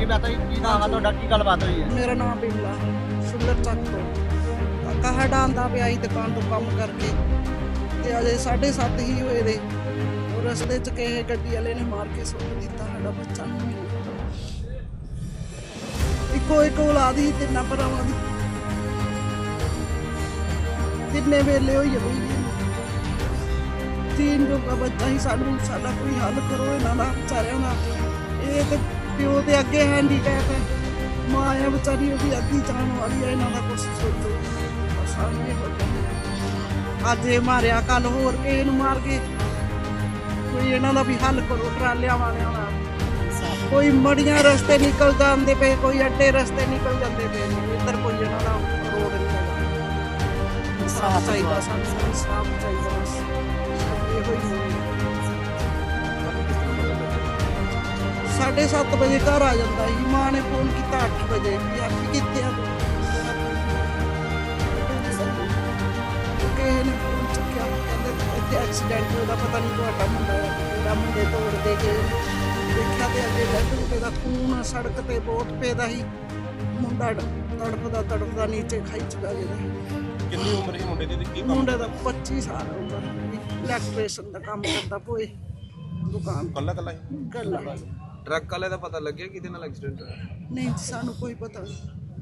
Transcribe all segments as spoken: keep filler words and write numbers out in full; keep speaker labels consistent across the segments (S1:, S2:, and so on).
S1: ਬਾਤ ਹੋਈ ਕੀ ਨਾਮ ਆ ਤੁਹਾਡਾ ਕੀ ਗੱਲਬਾਤ ਹੋਈ ਹੈ?
S2: ਮੇਰਾ ਨਾਮ ਬਿਮਲਾ ਸੁੰਦਰ ਚੱਕ ਤੋਂ ਕਾਕਾ ਸਾਡਾ ਆਂਦਾ ਪਿਆ ਸੀ ਦੁਕਾਨ ਤੋਂ ਕੰਮ ਕਰਕੇ ਤੇ ਅਜੇ ਸਾਢੇ ਸੱਤ ਹੀ ਹੋਏ ਦੇ ਉਹ ਰਸਤੇ 'ਚ ਕਿਸੇ ਗੱਡੀ ਵਾਲੇ ਨੇ ਮਾਰ ਕੇ ਸੁੱਟ ਦਿੱਤਾ ਸਾਡਾ ਬੱਚਾ ਨਹੀਂ ਮਿਲਿਆ। ਇੱਕੋ ਇੱਕ ਔਲਾਦ ਹੀ ਤਿੰਨਾਂ ਭਰਾਵਾਂ ਦੀ ਤਿੰਨੇ ਵੇਲੇ ਹੋਈ ਹੋਈ तीन लोग बच्चा ही सानू साडा कोई हल करो इन्हां दा बेचारियां दा। ये ते प्यो दे अगे हैंडीकैप है, मां है बेचारी ओदी अद्धी जान वाली है, इन्हां दा कुछ सोचो। अज ये मारिया कल होर किसे नूं मार के कोई इन्हां दा भी हल करो ट्रालियां वालियां दा। कोई मड़ियां रस्ते निकल जाते पे, कोई अड्डे रस्ते निकल जाते पे, इधर कोई इन्हां दा रोड नहीं है। साफ चाहिए सानू, साफ चाहिए बस। साढ़े सत्त बजे घर आ जाता ही, मां ने फोन किया अठ बजे भी आप कितने एक्सीडेंट होगा पता नहीं तो मुंडा मुंडे तोड़ दे के देखा तो अगे डेड रुपये का खून सड़क पर बहुत पेदा ही, मुंडा तड़पदा तड़पदा नीचे खाई चुका गया।
S3: कितनी उम्र है मुंडे दी?
S2: मुंडे का पच्ची साल उम्र, इलैक्ट्रीशियन का काम करता पोए दुकान
S3: कल्ला कल्ला
S2: कल्ला।
S4: ट्रक वाले का पता लग गया किदे नाल एक्सीडेंट होया?
S2: नहीं सानू कोई पता नहीं।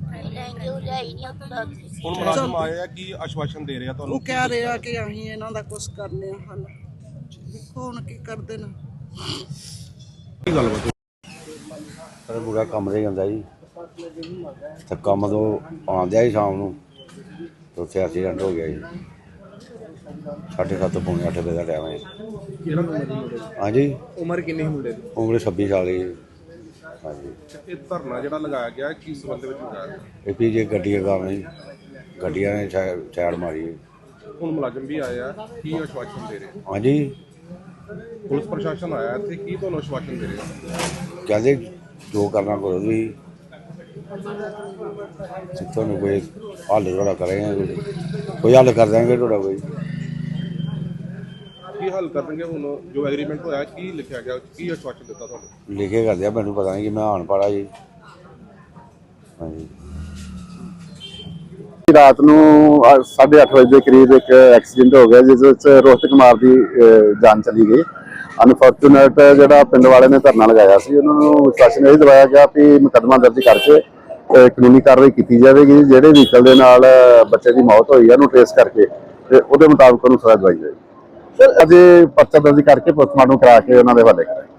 S3: ਹੁਣ ਮੁਲਾਜ਼ਮ ਆਏ ਆ ਕੀ ਆਸ਼ਵਾਸਨ ਦੇ ਰਿਹਾ
S2: ਉਹ
S3: ਤੁਹਾਨੂੰ?
S2: ਕਹਿ ਰਿਹਾ ਕਿ ਅਸੀਂ ਇਹਨਾਂ ਦਾ ਕੁਝ ਕਰਨੇ ਆ ਹੱਲ, ਦੇਖੋ ਹੁਣ ਕੀ ਕਰਦੇ ਨੇ।
S3: ਕੀ ਗੱਲਬਾਤ?
S5: ਪਰ ਪੂਰਾ ਕੰਮ ਤੇ ਜਾਂਦਾ ਜੀ, ਤੇ ਕੰਮ ਤੋਂ ਆਉਂਦਿਆ ਹੀ ਸ਼ਾਮ ਨੂੰ ਤੇ ਉੱਥੇ ਐਕਸੀਡੈਂਟ ਹੋ ਗਿਆ ਜੀ। ਸਾਢੇ ਸੱਤ ਪੌਣੇ ਅੱਠ ਵਜੇ ਦਾ ਟਾਈਮ ਹੈ।
S4: ਕਿਹੜਾ ਉਮਰ ਦੀ ਮੁੰਡੇ ਦੀ?
S5: ਹਾਂਜੀ
S4: ਉਮਰ ਕਿੰਨੀ ਮੁੰਡੇ ਦੀ?
S5: ਉਮਰ ਛੱਬੀ ਸਾਲ ਦੀ। ਹਾਂਜੀ
S3: ਇਹ ਧਰਨਾ ਜਿਹੜਾ ਲਗਾਇਆ ਗਿਆ ਕੀ ਸੰਬੰਧ ਵਿੱਚ ਲਗਾਇਆ?
S5: ਇਹ ਵੀ ਜੇ ਗੱਡੀਆਂ ਕੰਮ ਜੀ, ਗੱਡੀਆਂ ਨੇ ਸਾਈਡ ਮਾਰੀ।
S3: ਹੁਣ ਮੁਲਾਜ਼ਮ ਵੀ ਆਏ ਆ, ਕੀ ਆਸ਼ਵਾਸਨ ਦੇ ਰਹੇ?
S5: ਹਾਂਜੀ
S3: ਪੁਲਿਸ ਪ੍ਰਸ਼ਾਸਨ ਆਇਆ ਇੱਥੇ, ਕੀ ਤੁਹਾਨੂੰ ਆਸ਼ਵਾਸਨ ਦੇ ਰਹੇ?
S5: ਕਹਿੰਦੇ ਜੋ ਕਰਨਾ ਕਰੋ ਤੁਸੀਂ, ਤੁਹਾਨੂੰ ਕੋਈ ਹੱਲ ਤੁਹਾਡਾ ਕਰਾਂਗੇ, ਕੋਈ ਹੱਲ ਕਰ ਦਾਂਗੇ ਤੁਹਾਡਾ। ਕੋਈ
S3: ਕੀ ਹੱਲ ਕਰਨਗੇ? ਹੁਣ ਜੋ ਐਗਰੀਮੈਂਟ ਹੋਇਆ ਕੀ ਲਿਖਿਆ ਗਿਆ, ਕੀ ਆਸ਼ਵਾਸਨ ਦਿੱਤਾ ਤੁਹਾਨੂੰ?
S5: ਲਿਖੇ ਕਰਦੇ ਆ, ਮੈਨੂੰ ਪਤਾ ਨਹੀਂ ਕਿ ਮੈਂ ਅਨਪੜ੍ਹ ਜੀ। ਹਾਂਜੀ
S6: ਰਾਤ ਨੂੰ ਸਾਢੇ ਅੱਠ ਵਜੇ ਦੇ ਕਰੀਬ ਇੱਕ ਐਕਸੀਡੈਂਟ ਹੋ ਗਿਆ ਜਿਸ ਵਿੱਚ ਰੋਹਿਤ ਕੁਮਾਰ ਦੀ ਜਾਨ ਚਲੀ ਗਈ। ਅਨਫੋਰਚੂਨੇਟ ਜਿਹੜਾ ਪਿੰਡ ਵਾਲੇ ਨੇ ਧਰਨਾ ਲਗਾਇਆ ਸੀ, ਉਹਨਾਂ ਨੂੰ ਵਿਸ਼ਵਾਸਨ ਇਹ ਦਿਵਾਇਆ ਗਿਆ ਕਿ ਮੁਕੱਦਮਾ ਦਰਜ ਕਰਕੇ ਕਾਨੂੰਨੀ ਕਾਰਵਾਈ ਕੀਤੀ ਜਾਵੇਗੀ। ਜਿਹੜੇ ਵਹੀਕਲ ਦੇ ਨਾਲ ਬੱਚੇ ਦੀ ਮੌਤ ਹੋਈ ਹੈ ਉਹਨੂੰ ਟ੍ਰੇਸ ਕਰਕੇ ਤੇ ਉਹਦੇ ਮੁਤਾਬਕ ਉਹਨੂੰ ਸਜ਼ਾ ਦਵਾਈ ਜਾਏਗੀ। ਅਜੇ ਪਰਚਾ ਦਰਜ ਕਰਕੇ ਪੋਸਟਮਾਰਟਮ ਕਰਾ ਕੇ ਉਹਨਾਂ ਦੇ ਹਵਾਲੇ ਕਰਾਂਗੇ।